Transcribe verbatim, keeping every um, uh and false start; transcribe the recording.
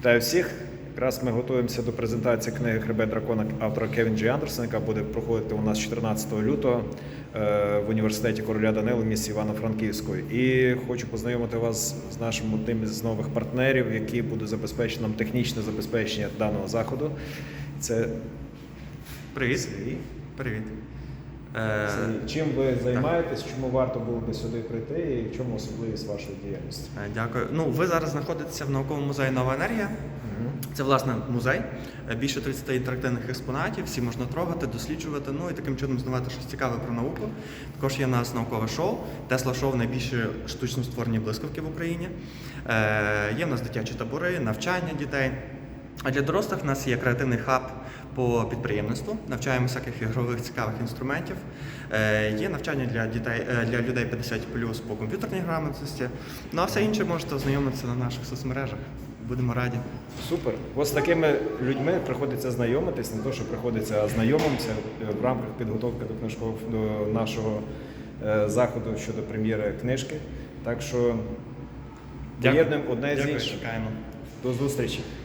Вітаю всіх. Якраз ми готуємося до презентації книги «Хребет дракона» автора Кевін Джей Андерсона, яка буде проходити у нас чотирнадцятого лютого в університеті короля Данила в місті Івано-Франківську. І хочу познайомити вас з нашим одним з нових партнерів, які будуть забезпечити нам технічне забезпечення даного заходу. Це Привіт. Сергій. Привіт. Сергій, чим ви займаєтесь, чому варто було би сюди прийти і в чому особливість вашої діяльності? Е, Дякую. Ну, ви зараз знаходитеся в науковому музеї «Нова енергія». Це, власне, музей. Е, Більше тридцяти інтерактивних експонатів, всі можна трогати, досліджувати, ну і таким чином знавати щось цікаве про науку. Також є у нас наукове шоу. Тесла-шоу – найбільші штучно створені блискавки в Україні. Е, Є в нас дитячі табори, навчання дітей. А для дорослих в нас є креативний хаб по підприємництву, навчаємо всяких ігрових цікавих інструментів. Е, є навчання для дітей, е, для людей п'ятдесят плюс по комп'ютерній грамотності. Ну а все інше можете ознайомитися на наших соцмережах. Будемо раді. Супер. Ось з такими людьми приходиться знайомитись, не то, що приходиться, а знайомимося в рамках підготовки до книжкового до нашого е, заходу щодо прем'єри книжки. Так що поєднуємо одне з Дякую, іншим. чекаємо. До зустрічі.